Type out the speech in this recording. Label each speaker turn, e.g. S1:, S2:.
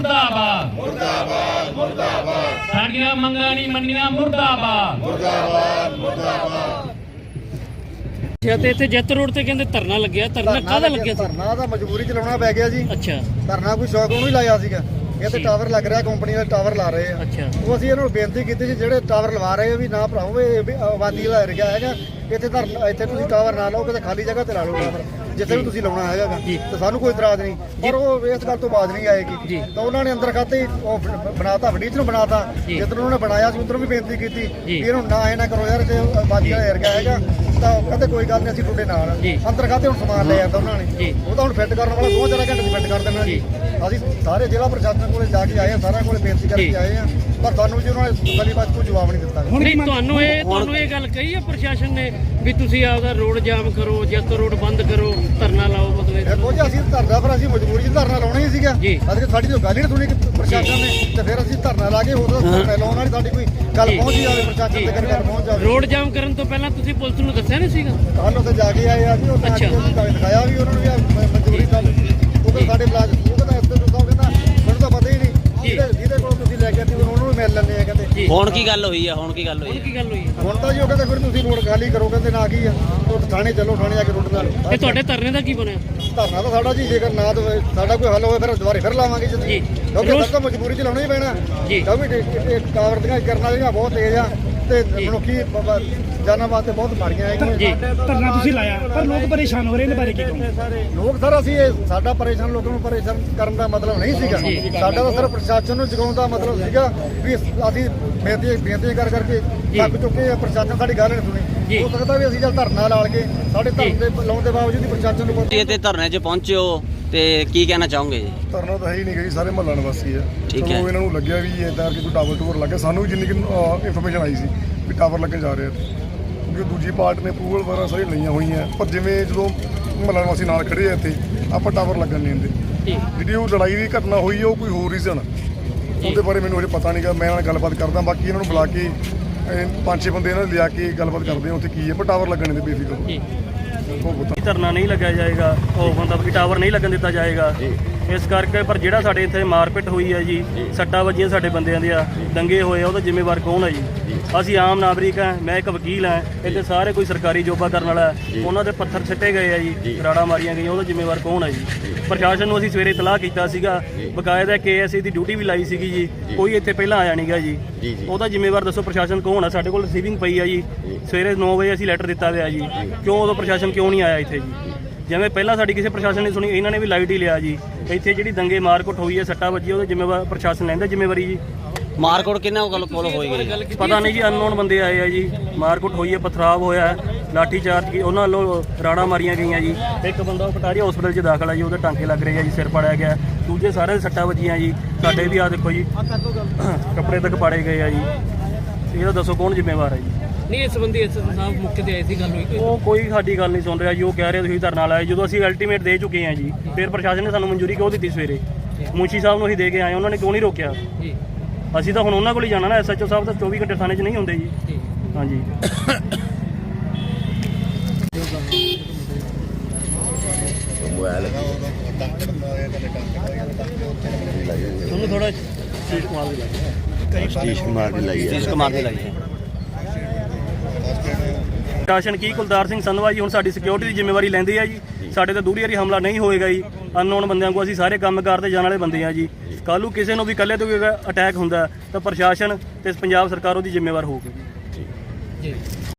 S1: ਮੁਰਦਾਬਾਦ ਮੁਰਦਾਬਾਦ ਮੁਰਦਾਬਾਦ ਸਾਡੀਆਂ ਮੰਗਾਂ ਨਹੀਂ ਮੰਨੀਆਂ ਮੁਰਦਾਬਾਦ ਮੁਰਦਾਬਾਦ ਮੁਰਦਾਬਾਦ।
S2: ਤੇ ਇੱਥੇ ਜੱਤ ਰੋਡ ਤੇ ਕਹਿੰਦੇ ਧਰਨਾ ਲੱਗਿਆ, ਧਰਨਾ ਕਾਹਦਾ ਲੱਗਿਆ ਸੀ?
S3: ਧਰਨਾ ਤਾਂ ਮਜਬੂਰੀ ਚ ਲਾਉਣਾ ਪੈ ਗਿਆ ਜੀ।
S2: ਅੱਛਾ
S3: ਧਰਨਾ ਕੋਈ ਸ਼ੌਕ ਨੂੰ ਹੀ ਲਾਇਆ ਸੀਗਾ। ਇਹ ਤੇ ਟਾਵਰ ਲੱਗ ਰਿਹਾ, ਕੰਪਨੀ ਦੇ ਟਾਵਰ ਲਾ ਰਹੇ ਆ।
S2: ਅੱਛਾ
S3: ਉਹ ਅਸੀਂ ਇਹਨਾਂ ਨੂੰ ਬੇਨਤੀ ਕੀਤੀ ਸੀ ਜਿਹੜੇ ਟਾਵਰ ਲਵਾ ਰਹੇ ਆ ਵੀ ਨਾ ਭਰਾਓ, ਇਹ ਆਬਾਦੀ ਵਾਲਾ ਏਰੀਆ ਹੈਗਾ, ਇੱਥੇ ਤੁਸੀਂ ਟਾਵਰ ਨਾ ਲਾਓ, ਕਿਤੇ ਖਾਲੀ ਜਗ੍ਹਾ ਤੇ ਲਾ ਲਓ ਟਾਵਰ ਜਿੱਥੇ ਵੀ ਤੁਸੀਂ ਲਾਉਣਾ ਹੈਗਾ ਤੇ ਸਾਨੂੰ ਕੋਈ ਇਤਰਾਜ਼ ਨਹੀਂ। ਪਰ ਉਹ ਇਸ ਗੱਲ ਤੋਂ ਬਾਅਦ ਨਹੀਂ ਆਏਗੀ ਤਾਂ ਉਹਨਾਂ ਨੇ ਅੰਦਰ ਖਾਤੇ ਹੀ ਉਹ ਬਣਾਤਾ, ਫਰਨੀਚਰ ਨੂੰ ਬਣਾਤਾ। ਜਿੱਧਰ ਉਹਨਾਂ ਨੇ ਬਣਾਇਆ ਸੀ ਉਧਰੋਂ ਵੀ ਬੇਨਤੀ ਕੀਤੀ ਵੀ ਇਹਨੂੰ ਨਾ ਇਹ ਨਾ ਕਰੋ ਯਾਰ, ਜੇ ਆਬਾਦੀ ਵਾਲਾ ਏਰੀਆ ਹੈਗਾ ਤਾਂ ਕਹਿੰਦੇ ਕੋਈ ਗੱਲ ਨਹੀਂ ਅਸੀਂ ਤੁਹਾਡੇ ਨਾਲ। ਅੰਦਰ ਖਾਤੇ ਹੁਣ ਸਮਾਨ ਲੈ ਜਾਂਦਾ ਉਹਨਾਂ ਨੇ, ਉਹ ਤਾਂ ਹੁਣ ਫਿੱਟ ਕਰਨ ਵਾਲਾ 2-4 ਘੰਟੇ ਦੀ ਫਿੱਟ ਕਰ ਦੇਣਾ ਜੀ। ਅਸੀਂ ਸਾਰੇ ਜ਼ਿਲ੍ਹਾ ਪ੍ਰਸ਼ਾਸਨ ਕੋਲੇ ਜਾ ਕੇ ਆਏ ਆ, ਸਾਰਿਆਂ ਕੋਲੇ ਬੇਨਤੀ ਕਰਕੇ ਆਏ ਆ, ਪਰ ਤੁਹਾਨੂੰ ਜੀ ਉਹਨਾਂ ਨੇ ਗਲੀ ਬਾਤ ਕੋਈ ਜਵਾਬ ਨਹੀਂ ਦਿੱਤਾ।
S2: ਨਹੀਂ, ਤੁਹਾਨੂੰ ਇਹ ਗੱਲ ਕਹੀ ਹੈ ਪ੍ਰਸ਼ਾਸਨ ਨੇ ਵੀ ਤੁਸੀਂ ਆਪਦਾ ਰੋਡ ਜਾਮ ਕਰੋ, ਜੱਤ ਰੋਡ ਬੰਦ ਕਰੋ, ਧਰਨਾ ਲਾਓ? ਮਤਲਬ
S3: ਦੇਖੋ ਜੀ ਅਸੀਂ ਧਰਨਾ, ਪਰ ਅਸੀਂ ਮਜਬੂਰੀ 'ਚ ਧਰਨਾ ਲਾਉਣਾ ਹੀ ਸੀਗਾ। ਅਸੀਂ ਸਾਡੀ ਤਾਂ ਗੱਲ ਹੀ ਨਹੀਂ ਸੁਣੀ ਪ੍ਰਸ਼ਾਸਨ ਨੇ, ਤੇ ਫਿਰ ਅਸੀਂ ਧਰਨਾ ਲਾ ਕੇ ਹੋਰ ਲਾਉਣ ਵਾਲੀ ਸਾਡੀ ਕੋਈ ਗੱਲ ਪਹੁੰਚ ਜਾਵੇ, ਪ੍ਰਸ਼ਾਸਨ ਤੱਕ ਗੱਲ ਪਹੁੰਚ ਜਾਵੇ।
S2: ਰੋਡ ਜਾਮ ਕਰਨ ਤੋਂ ਪਹਿਲਾਂ ਤੁਸੀਂ ਪੁਲਿਸ ਨੂੰ ਦੱਸਿਆ ਨਹੀਂ ਸੀਗਾ?
S3: ਕੱਲ ਉੱਥੇ ਜਾ ਕੇ ਆਏ ਆ ਜੀ, ਉਹ ਦਿਖਾਇਆ ਵੀ ਉਹਨਾਂ ਨੂੰ ਵੀ ਮਜਬੂਰੀ ਗੱਲ। ਉਹ ਤਾਂ ਸਾਡੇ ਪਲਾਜ ਉਹ ਕਹਿੰਦਾ ਇਸ ਤੋਂ ਕਹਿੰਦਾ ਮੈਨੂੰ ਤਾਂ ਪਤਾ ਹੀ ਨਹੀਂ ਜਿਹਦੇ ਕੋਲ ਤੁਸੀਂ ਲੈ ਕੇ ਆਏ ਉਹਨੂੰ ਵੀ ਮਿਲ ਲੈਂਦੇ ਆ ਕਹਿੰਦੇ।
S4: ਹੁਣ ਕੀ ਗੱਲ ਹੋਈ ਆ? ਹੁਣ ਕੀ ਗੱਲ ਹੋਈ?
S3: ਹੁਣ ਤਾਂ ਜੀ ਉਹ ਕਹਿੰਦੇ ਫਿਰ ਤੁਸੀਂ ਰੋਡ ਖਾਲੀ ਕਰੋ, ਕਹਿੰਦੇ ਨਾ ਕੀ ਆ ਉਹ ਥਾਣੇ ਚੱਲੋ, ਥਾਣੇ ਜਾ ਕੇ ਰੋਡ ਨਾਲ।
S2: ਇਹ ਤੁਹਾਡੇ ਧਰਨੇ ਦਾ ਕੀ ਬਣਿਆ?
S3: ਧਰਨਾ ਤਾਂ ਸਾਡਾ ਜੀ ਜੇਕਰ ਨਾ ਸਾਡਾ ਕੋਈ ਹੱਲ ਹੋਵੇ ਫਿਰ ਦੁਬਾਰੇ ਫਿਰ ਲਾਵਾਂਗੇ ਜੀ, ਕਿਉਂਕਿ ਸਭ ਤੋਂ ਮਜਬੂਰੀ 'ਚ ਲਾਉਣਾ ਹੀ ਪੈਣਾ ਕਿਉਂਕਿ ਟਾਵਰ ਦੀਆਂ ਕਰਨ ਵਾਲੀਆਂ ਬਹੁਤ ਤੇਜ਼ ਆ ਤੇ ਮਨੁੱਖੀ ਜਾਨਾਂ ਵਾਸਤੇ ਬਹੁਤ ਮਾੜੀਆਂ ਹੈਗੀਆਂ।
S5: ਧਰਨਾ ਤੁਸੀਂ ਲਾਇਆ ਪਰ ਲੋਕ ਪਰੇਸ਼ਾਨ ਹੋ ਰਹੇ ਨੇ, ਬਾਰੇ ਕੀ ਕਹੋਗੇ?
S3: ਲੋਕ ਸਰ ਅਸੀਂ ਸਾਡਾ ਪਰੇਸ਼ਾਨ ਲੋਕਾਂ ਨੂੰ ਪਰੇਸ਼ਾਨ ਕਰਨ ਦਾ ਮਤਲਬ ਨਹੀਂ ਸੀਗਾ ਸਾਡਾ, ਤਾਂ ਸਿਰਫ ਪ੍ਰਸ਼ਾਸਨ ਨੂੰ ਜਗਾਉਣ ਦਾ ਮਤਲਬ ਸੀਗਾ ਵੀ ਅਸੀਂ ਬੇਨਤੀ ਕਰ ਕਰਕੇ ਥੱਕ ਚੁੱਕੇ ਆ, ਪ੍ਰਸ਼ਾਸਨ ਸਾਡੀ ਗੱਲ ਨਹੀਂ ਸੁਣੀ। ਹੋ ਸਕਦਾ ਵੀ ਅਸੀਂ ਜਦ ਧਰਨਾ ਲਾ ਕੇ ਸਾਡੇ ਧਰਨੇ ਦੇ ਲਾਉਣ ਦੇ ਬਾਵਜੂਦ ਵੀ ਪ੍ਰਸ਼ਾਸਨ ਨੂੰ
S4: ਤੁਸੀਂ ਇੱਥੇ ਧਰਨੇ 'ਚ ਪਹੁੰਚੇ ਹੋ ਤੇ ਕੀ ਕਹਿਣਾ ਚਾਹੋਗੇ ਜੀ?
S6: ਧਰਨਾ ਤਾਂ ਹੈ ਹੀ ਨਹੀਂ ਗਈ, ਸਾਰੇ ਮਹੱਲਾ ਨਿਵਾਸੀ ਆ।
S4: ਠੀਕ ਹੈ।
S6: ਚਲੋ ਇਹਨਾਂ ਨੂੰ ਲੱਗਿਆ ਵੀ ਇਦਾਂ ਕਿ ਕੋਈ ਟਾਵਰ ਲੱਗੇ, ਸਾਨੂੰ ਵੀ ਜਿੰਨੀ ਇਨਫੋਰਮੇਸ਼ਨ ਆਈ ਸੀ ਵੀ ਟਾਵਰ ਲੱਗਣ ਜਾ ਰਹੇ ਆ, ਕਿਉਂਕਿ ਦੂਜੀ ਪਾਰਟ ਨੇ ਅਪਰੂਵਲ ਵਗੈਰਾ ਸਾਰੀ ਲਈਆਂ ਹੋਈਆਂ, ਪਰ ਜਿਵੇਂ ਜਦੋਂ ਮਹੱਲਾ ਨਿਵਾਸੀ ਨਾਲ ਖੜੇ ਆ ਇੱਥੇ ਆਪਾਂ ਟਾਵਰ ਲੱਗਣ ਨਹੀਂ ਦਿੰਦੇ। ਜਿਹੜੀ ਉਹ ਲੜਾਈ ਦੀ ਘਟਨਾ ਹੋਈ ਹੈ ਉਹ ਕੋਈ ਹੋਰ ਰੀਜ਼ਨ, ਉਹਦੇ ਬਾਰੇ ਮੈਨੂੰ ਅਜੇ ਪਤਾ ਨਹੀਂਗਾ। ਮੈਂ ਇਹਨਾਂ ਨਾਲ ਗੱਲਬਾਤ ਕਰਦਾ, ਬਾਕੀ ਇਹਨਾਂ ਨੂੰ ਬੁਲਾ ਕੇ 5-6 ਬੰਦੇ ਇਹਨਾਂ ਲਿਆ ਕੇ ਗੱਲਬਾਤ ਕਰਦੇ ਆ ਉੱਥੇ ਕੀ ਹੈ, ਪਰ ਟਾਵਰ ਲੱਗਣ ਦੇ ਬੇਫਿਕਰ
S5: ਧਰਨਾ ਨਹੀਂ ਲੱਗਿਆ ਜਾਏਗਾ, ਉਹ ਮਤਲਬ ਕਿ ਟਾਵਰ ਨਹੀਂ ਲੱਗਣ ਦਿੱਤਾ ਜਾਏਗਾ ਇਸ ਕਰਕੇ। ਪਰ ਜਿਹੜਾ ਸਾਡੇ ਇੱਥੇ ਮਾਰਪਿਟ ਹੋਈ ਹੈ ਜੀ, ਸੱਟਾਂ ਵੱਜੀਆਂ ਸਾਡੇ ਬੰਦਿਆਂ ਦੀਆਂ, ਦੰਗੇ ਹੋਏ ਆ, ਉਹਦਾ ਜ਼ਿੰਮੇਵਾਰ ਕੌਣ ਹੈ ਜੀ? ਅਸੀਂ ਆਮ ਨਾਗਰਿਕ ਹਾਂ, ਮੈਂ ਇੱਕ ਵਕੀਲ ਹਾਂ, ਇੱਥੇ ਸਾਰੇ ਕੋਈ ਸਰਕਾਰੀ ਜੋਬਾ ਕਰਨ ਵਾਲਾ, ਉਹਨਾਂ ਦੇ ਪੱਥਰ ਛੱਟੇ ਗਏ ਆ ਜੀ, ਰਾੜਾਂ ਮਾਰੀਆਂ ਗਈਆਂ, ਉਹਦਾ ਜ਼ਿੰਮੇਵਾਰ ਕੌਣ ਹੈ ਜੀ? ਪ੍ਰਸ਼ਾਸਨ ਨੂੰ ਅਸੀਂ ਸਵੇਰੇ ਇਤਲਾਹ ਕੀਤਾ ਸੀਗਾ, ਬਕਾਇਦਾ KSA ਦੀ ਡਿਊਟੀ ਵੀ ਲਾਈ ਸੀਗੀ ਜੀ, ਕੋਈ ਇੱਥੇ ਪਹਿਲਾਂ ਆਇਆ ਨਹੀਂਗਾ ਜੀ। ਉਹਦਾ ਜ਼ਿੰਮੇਵਾਰ ਦੱਸੋ ਪ੍ਰਸ਼ਾਸਨ ਕੌਣ ਆ? ਸਾਡੇ ਕੋਲ ਰਿਸੀਵਿੰਗ ਪਈ ਆ ਜੀ, ਸਵੇਰੇ 9 ਵਜੇ ਅਸੀਂ ਲੈਟਰ ਦਿੱਤਾ ਹੋਇਆ ਜੀ, ਕਿਉਂ ਉਦੋਂ ਪ੍ਰਸ਼ਾਸਨ ਕਿਉਂ ਨਹੀਂ ਆਇਆ ਇੱਥੇ ਜੀ? ਜਿਵੇਂ ਪਹਿਲਾਂ ਸਾਡੀ ਕਿਸੇ ਪ੍ਰਸ਼ਾਸਨ ਨੇ ਸੁਣੀ, ਇਹਨਾਂ ਨੇ ਵੀ ਲਾਈਟ ਹੀ ਲਿਆ ਜੀ। ਇੱਥੇ ਜਿਹੜੀ ਦੰਗੇ ਮਾਰਕੁੱਟ ਹੋਈ ਹੈ, ਸੱਟਾਂ ਵੱਜੀ, ਉਹਦਾ ਜ਼ਿੰਮੇਵਾਰ ਪ੍ਰਸ਼ਾਸਨ ਲੈਂਦਾ ਜ਼ਿੰਮੇਵਾਰੀ ਜੀ।
S4: ਮਾਰਕੋਟ ਕਿੰਨਾ ਕੋਲ ਹੋਈ ਗਈ?
S5: ਪਤਾ ਨਹੀਂ ਜੀ, ਅਨਨੋਨ ਬੰਦੇ ਆਏ ਆ ਜੀ, ਮਾਰਕੁੱਟ ਹੋਈ ਹੈ, ਪਥਰਾਵ ਹੋਇਆ, ਲਾਠੀ ਚਾਰਜ ਕੀ ਉਹਨਾਂ ਵੱਲੋਂ ਰਾੜਾਂ ਮਾਰੀਆਂ ਗਈਆਂ ਜੀ। ਇੱਕ ਬੰਦਾ ਪਟਾਰੀਆ ਹਸਪੀਟਲ 'ਚ ਦਾਖਲ ਹੈ ਜੀ, ਉਹਦੇ ਟਾਂਕੇ ਲੱਗ ਰਹੇ ਆ ਜੀ, ਸਿਰ ਪਾੜਿਆ ਗਿਆ, ਦੂਜੇ ਸਾਰੇ ਸੱਟਾਂ ਵੱਜੀਆਂ ਜੀ। ਸਾਡੇ ਵੀ ਆ ਦੇਖੋ ਜੀ, ਕੱਪੜੇ ਤੱਕ ਪਾੜੇ ਗਏ ਆ ਜੀ। ਇਹਦਾ ਦੱਸੋ ਕੌਣ ਜ਼ਿੰਮੇਵਾਰ ਹੈ ਜੀ?
S2: ਨਹੀਂ, ਇਸ ਸੰਬੰਧੀ ਐਸਐਸਪੀ ਸਾਹਿਬ ਮੌਕੇ ਤੇ ਆਏ ਸੀ, ਗੱਲ ਹੋਈ?
S5: ਉਹ ਕੋਈ ਸਾਡੀ ਗੱਲ ਨਹੀਂ ਸੁਣ ਰਿਹਾ ਜੀ, ਉਹ ਕਹਿ ਰਹੇ ਤੁਸੀਂ ਧਰਨਾ ਲਾਇਆ, ਜਦੋਂ ਅਸੀਂ ਅਲਟੀਮੇਟ ਦੇ ਚੁੱਕੇ ਹਾਂ ਜੀ। ਫਿਰ ਪ੍ਰਸ਼ਾਸਨ ਨੇ ਸਾਨੂੰ ਮਨਜ਼ੂਰੀ ਕਿਉਂ ਦਿੱਤੀ? ਸਵੇਰੇ ਮੁੰਸ਼ੀ ਸਾਹਿਬ ਨੂੰ ਅਸੀਂ ਦੇ ਕੇ ਆਏ, ਉਹਨਾਂ ਨੇ ਕਿਉਂ ਨਹੀਂ ਰੋਕਿਆ? ਅਸੀਂ ਤਾਂ ਹੁਣ ਉਹਨਾਂ ਕੋਲ ਹੀ ਜਾਣਾ ਨਾ, SHO ਸਾਹਿਬ ਤਾਂ 24 ਘੰਟੇ ਥਾਣੇ 'ਚ ਨਹੀਂ ਹੁੰਦੇ ਜੀ। ਹਾਂਜੀ
S2: ਤੁਹਾਨੂੰ ਥੋੜਾ
S4: ਸਤੀਸ਼ ਕੁਮਾਰ ਦੀ ਲਾਈ ਹੈ।
S5: ਪ੍ਰਸ਼ਾਸਨ ਕੀ ਕੁਲਤਾਰ ਸਿੰਘ ਸੰਧਵਾ ਜੀ ਹੁਣ ਸਾਡੀ ਸਿਕਿਉਰਿਟੀ ਦੀ ਜ਼ਿੰਮੇਵਾਰੀ ਲੈਂਦੇ ਆ ਜੀ। ਸਾਡੇ ਤੇ ਦੂਰੀ ਹਮਲਾ ਨਹੀਂ ਹੋਏਗਾ ਜੀ। ਅਨਨੋਨ ਬੰਦਿਆਂ ਕੋਲ ਅਸੀਂ ਸਾਰੇ ਕੰਮ ਕਰਦੇ ਜਾਣ ਵਾਲੇ ਬੰਦੇ ਆ ਜੀ। ਕੱਲ੍ਹ ਨੂੰ ਕਿਸੇ ਨੂੰ ਵੀ ਇਕੱਲੇ ਤੋਂ ਵੀ ਅਟੈਕ ਹੁੰਦਾ ਤਾਂ ਪ੍ਰਸ਼ਾਸਨ ਤੇ ਪੰਜਾਬ ਸਰਕਾਰ ਉਹਦੀ ਜ਼ਿੰਮੇਵਾਰ ਹੋਊਗੀ ਜੀ।